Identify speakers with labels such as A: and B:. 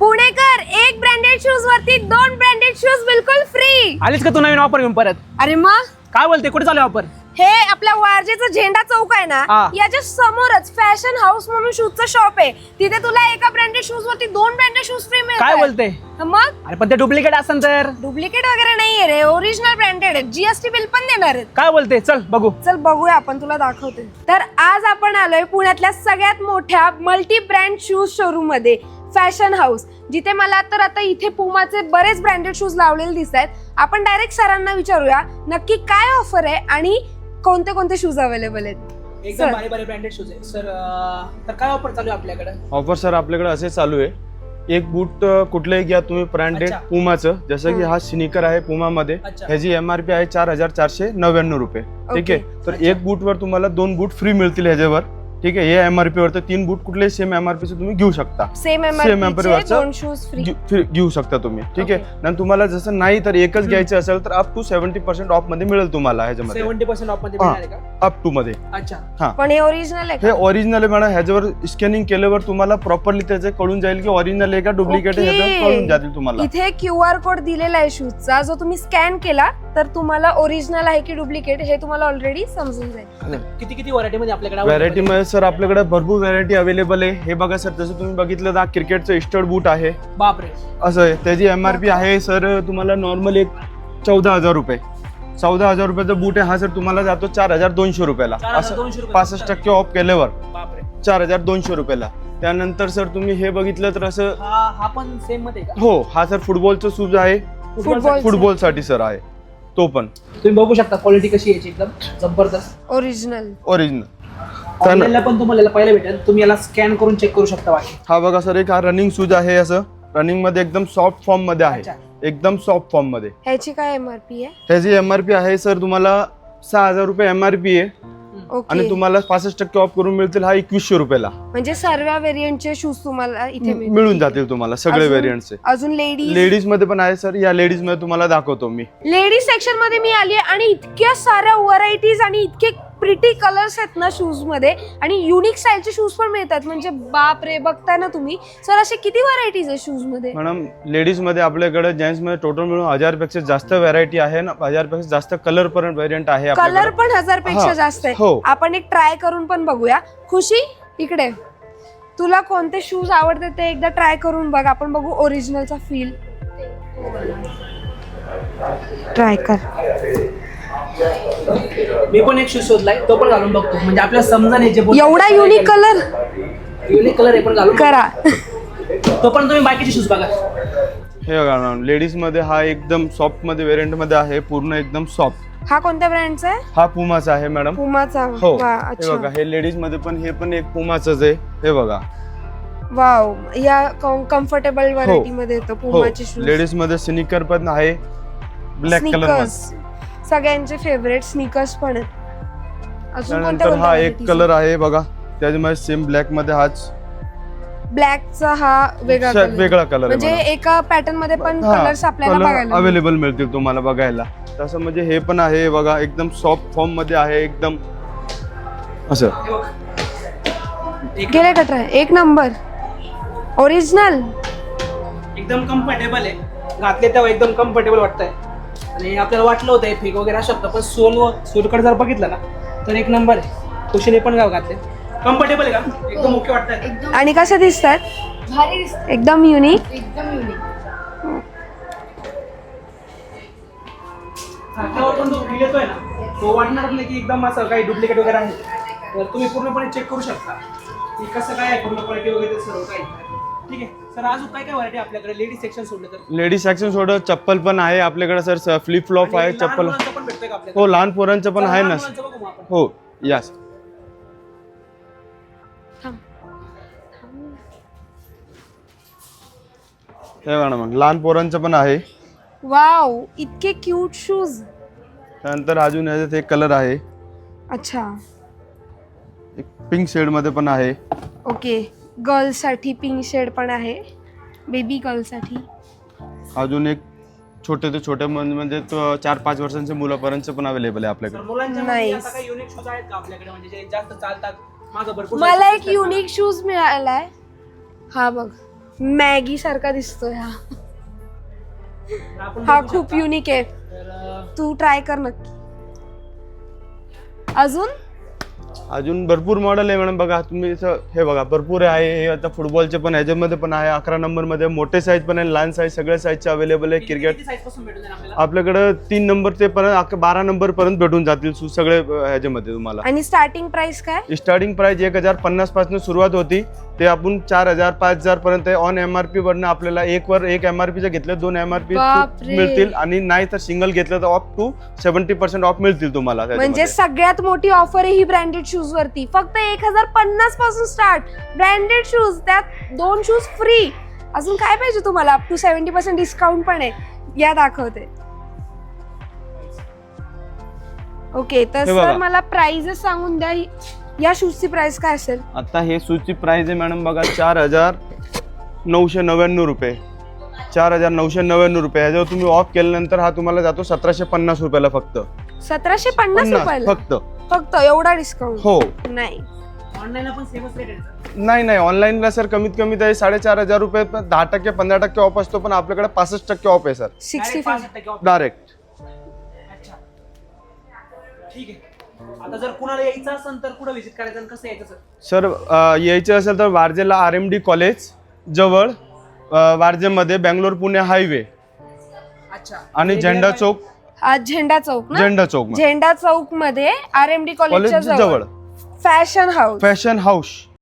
A: पुणेकर, एक branded shoes वरती 2 branded shoes बिलकुल फ्री.
B: आलीच का तू नवीन ऑफर घेऊन परत?
A: अरे मग
B: काय बोलते, कुठे चालू ऑफर?
A: हे आपल्या वारजेचा झेंडा चौक आहे ना,
B: हा.
A: याच्या समोरच फॅशन हाऊस म्हणून शूजचं शॉप आहे. तिथे तुला एका ब्रँडेड शूज वरती 2 ब्रँडेड शूज फ्री मिळतात.
B: काय बोलते?
A: मग
B: अरे पण ते डुप्लिकेट असेल तर?
A: डुप्लिकेट वगैरे नाहीये रे, ओरिजिनल ब्रँडेड आहे. जीएसटी बिल पण देणार आहेत.
B: काय बोलते, चल बघू.
A: चल बघूया, आपण तुला दाखवते. तर आज आपण आलोय पुण्यातल्या सगळ्यात मोठ्या मल्टी ब्रँड शूज शोरूम मध्ये, फॅशन हाऊस, जिथे मला तर आता इथे पुमाचे बरेच ब्रँडेड शूज लावलेले दिसत आहेत. आपण डायरेक्ट सरांना विचारूया नक्की काय ऑफर आहे आणि कोणते कोणते शूज अवेलेबल आहेत.
B: एकदम भारी भारी ब्रँडेड शूज आहे सर. तर काय ऑफर चालू आहे आपल्याकडे?
C: ऑफर सर आपल्याकडे असे चालू आहे, एक बूट कुठलंही घ्या तुम्ही ब्रँडेड
B: अच्छा.
C: पुमाचं, जसं की हा स्निकर आहे पुमामध्ये,
B: अच्छा.
C: ह्याची MRP आहे 4,499 रुपये. ठीक आहे, तर
B: अच्छा.
C: एक बूटवर तुम्हाला 2 बूट फ्री मिळतील ह्याच्यावर. ठीक आहे, हे MRP वर तर 3 बूट कुठले सेम MRP चे तुम्ही घेऊ शकता.
A: सेम
C: MRP
A: एमआरपी
C: वरचं
A: 2 शूज फ्री
C: घेऊ शकता तुम्ही. ठीक आहे, आणि तुम्हाला जसं नाही तर एकच घ्यायचं असेल तर अप टू 70% ऑफ मध्ये मिळेल तुम्हाला ह्याच्यामध्ये,
B: 70% ऑफ मध्ये मिळणार आहे का?
C: अप टू मध्ये.
B: अच्छा.
A: पण हे ओरिजिनल आहे
C: हे
A: का?
C: ओरिजिनल आहे मॅडम. ह्याच्यावर स्कॅनिंग केल्यावर तुम्हाला प्रॉपरली त्याचे कळून जाईल की ओरिजिनल आहे का डुप्लिकेट आहे,
A: Okay.
C: ह्याच्यावर कळून जातील तुम्हाला.
A: इथे QR कोड दिलेला आहे शूजचा, जो तुम्ही स्कॅन केला तर तुम्हाला ओरिजिनल आहे की डुप्लिकेट हे तुम्हाला ऑलरेडी समजून जाईल.
B: किती किती व्हरायटी मध्ये आपल्याकडे
C: व्हरायटी मध्ये सर आपल्याकडे भरपूर व्हरायटी अवेलेबल आहे. हे बघा सर, जसं तुम्ही बघितलं तर क्रिकेटचं स्टड बूट आहे,
B: बापरे.
C: असं आहे. त्याची MRP आहे सर तुम्हाला नॉर्मल एक 14,000 रुपये. 14,000 रुपयाचा बूट आहे हा सर, तुम्हाला जातो 4,200 रुपयाला. असं
B: 4,200 रुपये.
C: 65% ऑफ केल्यावर
B: बापरे.
C: 4,200 रुपयाला. त्यानंतर सर तुम्ही हे बघितलं तर असं,
B: हा पण सेम मध्ये का?
C: हो हा सर फुटबॉलचं शूज आहे, फुटबॉल साठी सर आहे तो पण.
B: तुम्ही बघू शकता क्वालिटी कशी आहे याची, एकदम जबरदस्त
A: ओरिजिनल.
C: ओरिजिनल.
B: ऑनलाईनला पण तुम्हाला पाहायला भेटेल, तुम्ही याला स्कॅन करून चेक करू शकता. बाकी
C: हा बघा सर, एक हा रनिंग शूज आहे, असं रनिंग मध्ये एकदम सॉफ्ट फॉर्म मध्ये आहे,
B: अच्छा.
C: एकदम सॉफ्ट फॉर्म मध्ये.
A: ह्याची काय MRP आहे?
C: ह्याची MRP आहे सर तुम्हाला 6,000 रुपये MRP आहे, आणि
A: ओके,
C: तुम्हाला 65% ऑफ करून मिळतील हा 2,100 रुपयाला.
A: म्हणजे सर्व व्हेरियंटचे शूज तुम्हाला इथे
C: मिळून जातील तुम्हाला सगळे
A: अजून-
C: व्हेरियंटचे.
A: अजून
C: लेडीज मध्ये पण आहे सर, या लेडीज मध्ये तुम्हाला दाखवतो मी.
A: लेडीज सेक्शन मध्ये मी आली आहे आणि इतक्या साऱ्या व्हरायटीज आणि इतके प्रिटी कलर्स आहेत ना शूज मध्ये, आणि युनिक स्टाईलचे शूज पण मिळतात. म्हणजे बाप रे, बघताय ना तुम्ही सर, असे किती व्हरायटीज आहेत शूज मध्ये?
C: मॅडम लेडीज मध्ये आपल्याकडे, जेंट्स मध्ये टोटल मिळून 1,000 पेक्षा जास्त व्हरायटी आहे ना, 1,000 पेक्षा जास्त कलर पर्यंत व्हेरियंट आहे
A: कलर
C: आपल्याकडे.
A: पण 1000 पेक्षा
C: हा,
A: जास्त आहे.
C: हो.
A: आपण एक ट्राय करून पण बघूया. खुशी इकडे, तुला कोणते शूज आवडते ते एकदा ट्राय करून बघ. आपण बघू ओरिजिनलचा फील. ट्राय कर.
B: मी पण एक शूज शोधलाय, तो पण घालून बघतो, म्हणजे आपल्याला समजा जे
A: एवढा युनिक कलर
B: युनिक कलर आहे पण घालून
A: करा.
B: तो पण तुम्ही बाकीचे शूज बघा.
C: हे बघा मॅडम, लेडीज मध्ये हा एकदम सॉफ्ट मध्ये व्हेरियंट मध्ये आहे, पूर्ण एकदम सॉफ्ट.
A: हा कोणत्या ब्रँडचा आहे?
C: हा पुमाचा आहे मॅडम.
A: पुमाचा.
C: हो,
A: वा,
C: हे
A: अच्छा.
C: बघा, हे लेडीज मध्ये पण, हे पण एक पुमाचंच आहे. हे बघा,
A: वाव, या कम्फर्टेबल व्हरायटी
C: हो.
A: मध्ये येतो
C: हो,
A: पुमाचे शूज.
C: लेडीज मध्ये स्निकर पण आहे, ब्लॅक कलर
A: स्नीकर्स सगळ्यांचे फेवरेट स्नीकर्स पण आहेत. अजून कोणत्या
C: त्यानंतर हा एक
A: कोणत्या
C: कलर आहे बघा, त्याच्यामध्ये सेम ब्लॅक मध्ये हाच
A: ब्लॅकचा हा वेगळा color.
C: वेगळा कलर
A: म्हणजे एका पॅटर्न मध्ये पण कलर्स आपल्याला बघायला मिळतील.
C: अवेलेबल मिळतील तुम्हाला बघायला. तसं म्हणजे हे पण आहे बघा, एकदम सॉफ्ट फॉर्म मध्ये आहे, एकदम असं.
A: गेले का ट्राय? एक नंबर ओरिजिनल.
B: एकदम कम्फर्टेबल आहे, घातले तेव्हा एकदम कम्फर्टेबल वाटतंय. आणि आपल्याला वाटलं होतं फेक वगैरे असू शकतं, पण सोलकडे जर बघितलं ना तर एक नंबर आहे. खुशीने पण घातले, कम्फर्टेबल आहे का, एकदम ओके वाटतंय.
A: आणि कसे दिसतात?
D: भारी दिसत,
A: एकदम युनिक.
D: एकदम युनिक.
B: हातावर पण जो फील येतोय ना, तो वाटणार नाही की एकदम असं काही डुप्लिकेट वगैरे आहे. तर तुम्ही पूर्णपणे चेक करू शकता की कसं काय आहे, पूर्ण क्वालिटी वगैरे सर्व काही. ठीक आहे सर, अजून काय काय व्हरायटी आपल्याकडे लेडीज सेक्शन सोडलं तर?
C: लेडीज सेक्शन सोडत चप्पल पण आहे आपल्याकडे सर, फ्लिप फ्लॉप आहे,
B: आणि लहान
C: चप्पल.
B: मुलांचं पण भेटतंय का आपल्याकडे?
C: हो, लहान पोरांचं पण आहे ना.
B: लहान मुलांचं बघू मग आपण.
C: हो, यस. हे बघा मग, लहान पोरांचं पण आहे.
A: वाव, इतके क्यूट शूज.
C: त्यानंतर अजून याच्यात एक कलर आहे,
A: अच्छा,
C: एक पिंक शेड मध्ये पण आहे.
A: ओके. गर्ल्स साठी पिंक शेड पण आहे, बेबी गर्ल साठी.
C: अजून एक छोटे ते छोटे म्हणजे 4-5 वर्षांच्या मुलापर्यंत पण अवेलेबल आहे आपल्याकडे.
B: तर मुलांच्या मध्ये
A: Nice.
B: आता काही युनिक शूज आहेत का आपल्याकडे, म्हणजे जे जास्त चालतात? मागं भरपूर
A: मला
B: सारे
A: एक युनिक शूज मिळालाय. हा बघ, मॅगी सारखा दिसतोय हा.
B: आपण
A: हा
B: बघू
A: खूप
B: शकता.
A: युनिक आहे.
B: तर
A: तू ट्राय कर नक्की. अजून
C: अजून भरपूर मॉडेल आहे मॅडम. बघा तुम्ही हे बघा भरपूर आहे. हे आता फुटबॉलचे पण ह्याच्यामध्ये पण आहे. 11 नंबरमध्ये मोठे साईज पण आहे, लहान साईज सगळ्या साईजचे अवेलेबल आहे. क्रिकेट
B: किती size पासून भेटून जाईल आपल्याला?
C: आपल्याकडे 3 नंबर ते पर्यंत 12 नंबर पर्यंत भेटून जातील शूज सगळे ह्याच्यामध्ये तुम्हाला.
A: आणि स्टार्टिंग प्राइस काय?
C: स्टार्टिंग प्राइस 1050 पासून सुरुवात होती, ते आपण 4000 5000 पर्यंत ऑन MRP वरनं आपल्याला एक MRP चे घेतले 2 MRP
A: बापरे.
C: मिळतील, आणि नाही तर सिंगल घेतलं तर अप टू 70% ऑफ मिळतील तुम्हाला
A: म्हणजे
C: त्याच्यामध्ये.
A: सगळ्यात मोठी ऑफर आहे ही ब्रँडेड शूज वरती. फक्त 1050 पासून स्टार्ट ब्रँडेड शूज, त्यात 2 शूज फ्री. अजून काय पाहिजे तुम्हाला? अप टू 70% डिस्काउंट पण आहे. या दाखवते. ओके, तर
C: हे बघा.
A: सर मला प्राइजेस सांगून द्या. या शूजची प्राइस काय असेल?
C: आता हे शूजची प्राइस आहे मॅडम बघा 4999 रुपये. 4999 रुपये. ह्याच्यावर तुम्ही ऑफ केल्यानंतर हा तुम्हाला जातो 1750 रुपयाला फक्त.
A: 1750 रुपयाला
C: फक्त.
A: फक्त एवढा डिस्काउंट?
C: हो.
A: नाही,
B: ऑनलाईन पण सेमच रेट आहे.
C: नाही ऑनलाईनला सर कमीत कमी ते 4500 रुपये 10% 15% ऑफ असतो, पण आपल्याकडे 65% ऑफ आहे सर
A: 65.
B: 65% off.
C: डायरेक्ट.
B: अच्छा, ठीक आहे. आता जर कुणाला यायचं असेल तर कुठं व्हिजिट करायचं आणि कसं यायचं सर?
C: सर यायचं असेल तर वारजेला RMD कॉलेज जवळ, वारजेमध्ये बँगलोर पुणे हायवे,
B: अच्छा.
C: आणि झेंडा चौक.
A: झेंडा चौक ना?
C: झेंडा चौक
A: झेंडा चौक मध्ये RMD
C: कॉलेज
A: कॉलेजच्या
C: जवळ
A: फॅशन हाऊस.
C: Fashion house.